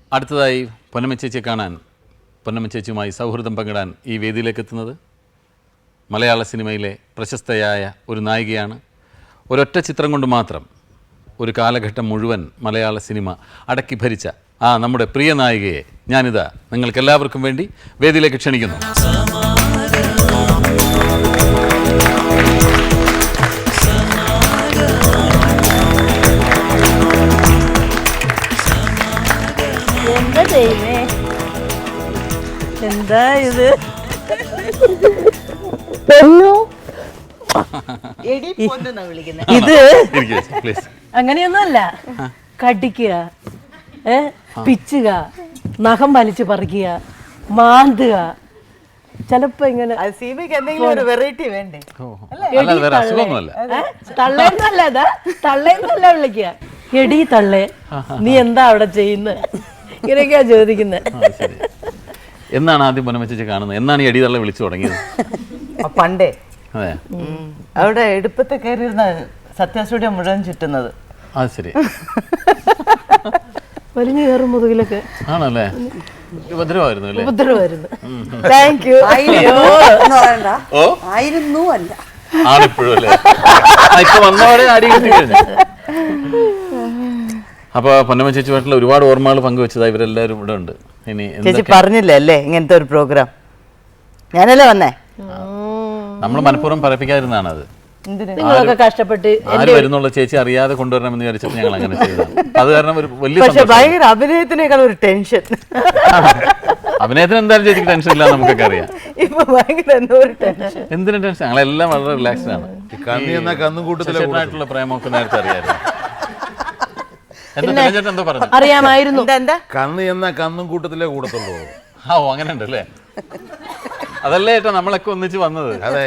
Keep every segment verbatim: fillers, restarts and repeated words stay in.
അടുത്തതായി പൊന്നമ്മ ചേച്ചിയെ കാണാൻ പൊന്നമ്മ ചേച്ചിയുമായി സൗഹൃദം പങ്കിടാൻ ഈ വേദിയിലേക്ക് എത്തുന്നത് മലയാള സിനിമയിലെ പ്രശസ്തയായ ഒരു നായികയാണ്. ഒരൊറ്റ ചിത്രം കൊണ്ട് മാത്രം ഒരു കാലഘട്ടം മുഴുവൻ മലയാള സിനിമ അടക്കി ഭരിച്ച ആ നമ്മുടെ പ്രിയ നായികയെ ഞാനിതാ നിങ്ങൾക്കെല്ലാവർക്കും വേണ്ടി വേദിയിലേക്ക് ക്ഷണിക്കുന്നു. എന്താ ഇത്? ഇത് അങ്ങനെയൊന്നുമല്ല. കടിക്കുക, ഏ പിച്ചുക, നഖം വലിച്ചു പറിക്കുക, മാന്തുക. ചിലപ്പോ ഇങ്ങനെ എന്തെങ്കിലും ഒരു വെറൈറ്റി വേണ്ടേ? തള്ളേന്നല്ല, അതാ തള്ളേന്നല്ല വിളിക്കുക. എടി തള്ളേ, നീ എന്താ അവിടെ ചെയ്യുന്നത്? ഇങ്ങനെയൊക്കെയാ ചോദിക്കുന്നത്. എന്നാണ് ആദ്യം പൊന്നമ്മ ചേച്ചി കാണുന്നത്? എന്നാണ് ഈ എടിതള്ള വിളിച്ചു തുടങ്ങിയത്? പണ്ടേ അതെ, അവിടെ എടുപ്പത്തെ കയറിയിരുന്ന സത്യാസ്റ്റുഡിയോ മുഴുവൻ ചുറ്റുന്നത്. അത് ശരി. വലിഞ്ഞു കയറും മുതുകിലൊക്കെ. ആണല്ലേ? ഉപദ്രവമായിരുന്നു അല്ലേ? ഉപദ്രവമായിരുന്നു. Thank you. ആയിരുന്നു അല്ല, ആണിപ്പോഴും അല്ലേ? ഇപ്പൊ വന്നവരെ അടി കിട്ടി കഴിഞ്ഞു. അപ്പൊ പൊന്നമ്മ ചേച്ചിയുമായിട്ടുള്ള ഒരുപാട് ഓർമ്മകൾ പങ്കുവെച്ചതാ ഇവരെല്ലാവരും ഇവിടെ ഉണ്ട്. ഇനി ചേച്ചി പറഞ്ഞില്ലേ അല്ലേ ഇങ്ങനത്തെ ഒരു പ്രോഗ്രാം? ഞാനല്ലേ വന്നേ. നമ്മൾ മനഃപൂർവ്വം പറയിപ്പിക്കാതിരുന്നാണ് അത്. നിങ്ങളൊക്കെ കഷ്ടപ്പെട്ട് ആര് വരുന്നുള്ള ചേച്ചി അറിയാതെ കൊണ്ടുവരണമെന്ന് വിചാരിച്ചപ്പോൾ ഞങ്ങൾ അങ്ങനെ ചെയ്തതാണ്. അത് കാരണം ഒരു വലിയ പക്ഷെ ഭയങ്കര അഭിനയത്തിനേക്കാൾ ഒരു ടെൻഷൻ. അഭിനയത്തിന് എന്തായാലും ചേച്ചിക്ക് ടെൻഷൻ ഇല്ല, നമുക്കൊക്കെ അറിയാം. ഇപ്പൊ ഭയങ്കര എന്തോ ഒരു ടെൻഷൻ. എന്തിനും ടെൻഷൻ? ഞങ്ങളെല്ലാം വളരെ റിലാക്സ്ഡ് ആണ്. കന്നുകൂട്ടത്തിലുള്ള പ്രേമമൊക്കെ നേരത്തെ അറിയാമായിരുന്നു. എന്തോ പറഞ്ഞു? അറിയാമായിരുന്നു. കന്ന് എന്ന കന്നും കൂട്ടത്തിലേ കൂടത്തുള്ളൂ. ആ, ഓ അങ്ങനെ ഉണ്ട് അല്ലേ? അതല്ലേ ഏട്ടാ നമ്മളൊക്കെ ഒന്നിച്ച് വന്നത്. അതെ,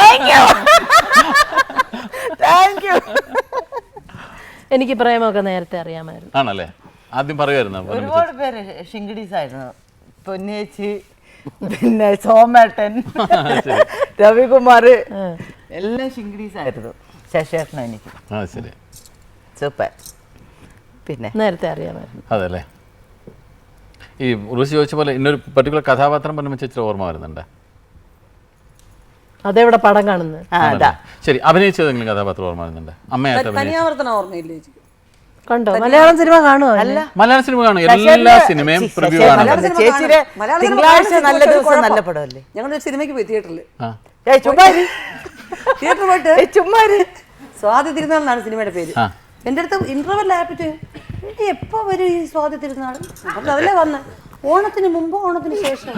എനിക്ക് പ്രേമമൊക്കെ നേരത്തെ അറിയാമായിരുന്നു. ആണല്ലേ? ആദ്യം പറയുമായിരുന്നു. ഒരുപാട് പേര് ഷിങ്കിഡീസ് ആയിരുന്നു. പൊന്നേച്ചി, പിന്നെ സോമേട്ടൻ, രവികുമാർ, എല്ലാം ഷിങ്കിഡീസ് ആയിരുന്നു. ശശേഷനും എനിക്ക്. ആ ശരി, സൂപ്പർ. പിന്നെ നേരത്തെ അറിയാമായിരുന്നു. അതല്ലേ? ഈ ഉർവശി ചോദിച്ച പോലെ ഇന്നൊരു പർട്ടിക്കുലർ കഥാപാത്രം പൊന്നമ്മ ചേച്ചിയുടെ ഓർമ്മ വരുന്നുണ്ട്? അതെവിടെ പടം കാണുന്നത്? ശരി, അഭിനയിച്ചതെങ്കിലും കഥാപാത്രം ഓർമ്മ വരുന്നുണ്ട്? അമ്മയായിട്ട് കണ്ടോ? മലയാളം സിനിമ കാണുമോ? അല്ല, മലയാള സിനിമ കാണും. എല്ലാ സിനിമയും പ്രിവ്യൂ കാണും. ചേച്ചിയുടെ തിങ്കളാഴ്ച നല്ല ദിവസം നല്ല പടമല്ലേ? ഞങ്ങളൊരു സിനിമയ്ക്ക് പോയി തിയേറ്ററിൽ. തിയേറ്ററിൽ പോയിട്ട് ചുമ്മാര് സ്വാതി തിരുനാൾ സിനിമയുടെ പേര്. എൻ്റെ അടുത്ത് ഇന്റർവെൽ ആപ്പിട്ട് എപ്പോ വരും ഈ സ്വാതി തിരുനാൾ? അപ്പം അതല്ലേ വന്ന ഓണത്തിന് മുമ്പ് ഓണത്തിന് ശേഷം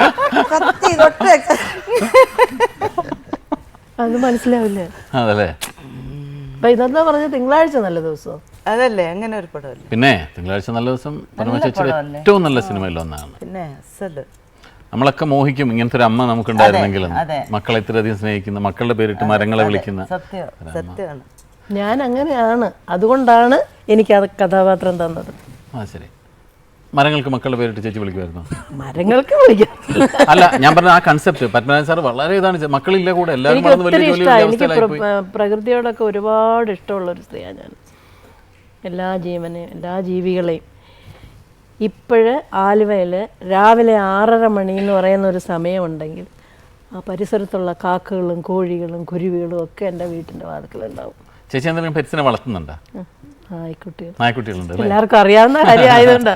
അത് മനസ്സിലാവില്ലേ? അതല്ലേ? അപ്പൊ ഇതെന്താ പറഞ്ഞ തിങ്കളാഴ്ച നല്ല ദിവസം? അതല്ലേ, അങ്ങനെ ഒരു പടമല്ലേ? പിന്നെ തിങ്കളാഴ്ച നല്ല ദിവസം പൊന്നമ്മ ചേച്ചിയുടെ ഏറ്റവും നല്ല സിനിമയിൽ ഒന്നാണ്. പിന്നെ നമ്മളൊക്കെ മോഹിക്കും ഇങ്ങനത്തെ ഒരു അമ്മ നമുക്കുണ്ടായിരുന്നെങ്കിലും. മക്കളെ ഇത്രയധികം സ്നേഹിക്കുന്ന, മക്കളുടെ പേരിട്ട് മരങ്ങളെ വിളിക്കുന്ന. സത്യം, സത്യമാണ്. ഞാൻ അങ്ങനെയാണ്, അതുകൊണ്ടാണ് എനിക്ക് അത് കഥാപാത്രം തന്നത്. ആ ശരി. മരങ്ങൾക്ക് മക്കളുടെ പേരിട്ട് ചേച്ചി വിളിക്കുമായിരുന്നു? മരങ്ങൾക്ക് വിളിക്കാം. അല്ല, ഞാൻ പറഞ്ഞ ആ കൺസെപ്റ്റ് പത്മനാഭൻ സാർ വളരെ ഇതാണ്. മക്കളില്ല കൂടെ, എല്ലാവരും എനിക്ക് പ്രകൃതിയോടൊക്കെ ഒരുപാട് ഇഷ്ടമുള്ള ഒരു സ്ത്രീയാണ് ഞാൻ. എല്ലാ ജീവനെയും എല്ലാ ജീവികളെയും. ഇപ്പോഴ് ആലുവയിൽ രാവിലെ ആറര മണി എന്ന് പറയുന്ന ഒരു സമയമുണ്ടെങ്കിൽ ആ പരിസരത്തുള്ള കാക്കകളും കോഴികളും കുരുവികളും ഒക്കെ എൻ്റെ വീട്ടിൻ്റെ വാതിക്കലുണ്ടാവും. ചേച്ചി എന്തെങ്കിലും പെറ്റ്സിനെ വളർത്തുന്നുണ്ടോ? നായ്ക്കുട്ടികൾ. നായ്ക്കുട്ടികളുണ്ട്. എല്ലാവർക്കും അറിയാവുന്ന കാര്യം ആയതുകൊണ്ട്.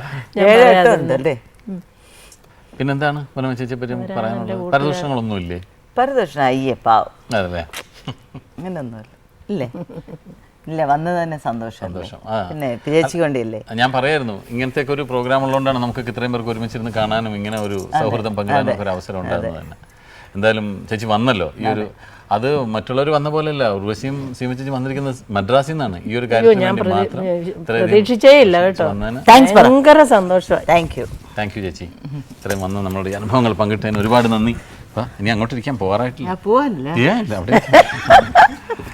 പിന്നെന്താണ് പൊന്നമ്മ ചേച്ചിയെ പറ്റി പറയാനുള്ളത്? പരദൂഷണങ്ങളൊന്നും ഇല്ലേ? പരദൂഷണം അയ്യേ പാവം. അതല്ലേ? അങ്ങനൊന്നുമില്ല. ഇല്ലേ? ഇല്ല, വന്നത് തന്നെ സന്തോഷം. സന്തോഷം. പിന്നെ ചേച്ചി കൊണ്ടില്ലേ? ഞാൻ പറയായിരുന്നു ഇങ്ങനത്തെ ഒരു പ്രോഗ്രാം ഉള്ളതുകൊണ്ടാണ് നമുക്ക് ഇത്രയും പേർക്ക് ഒരുമിച്ചിരുന്ന് കാണാനും ഇങ്ങനെ ഒരു സൗഹൃദം പങ്കിടാനും ഒക്കെ ഒരു അവസരം ഉണ്ടാകുന്നത് തന്നെ. എന്തായാലും ചേച്ചി വന്നല്ലോ. ഈ ഒരു അത് മറ്റുള്ളവർ വന്ന പോലെയല്ല. ഉർവശിയും സീമ ചേച്ചി വന്നിരിക്കുന്നത് മദ്രാസിൽ നിന്നാണ്. ഈ ഒരു കാര്യത്തിന് മാത്രം പ്രതീക്ഷിച്ചേ ഇല്ല കേട്ടോ. ഭയങ്കര സന്തോഷമായി. Thank you. താങ്ക് യു ചേച്ചി. ഇത്രയും വന്ന് നമ്മളുടെ അനുഭവങ്ങൾ പങ്കിട്ടതിന് ഒരുപാട് നന്ദി. ഇനി അങ്ങോട്ടിരിക്കാൻ പോകാറായിട്ടില്ല. പോവാനില്ല. അവിടെ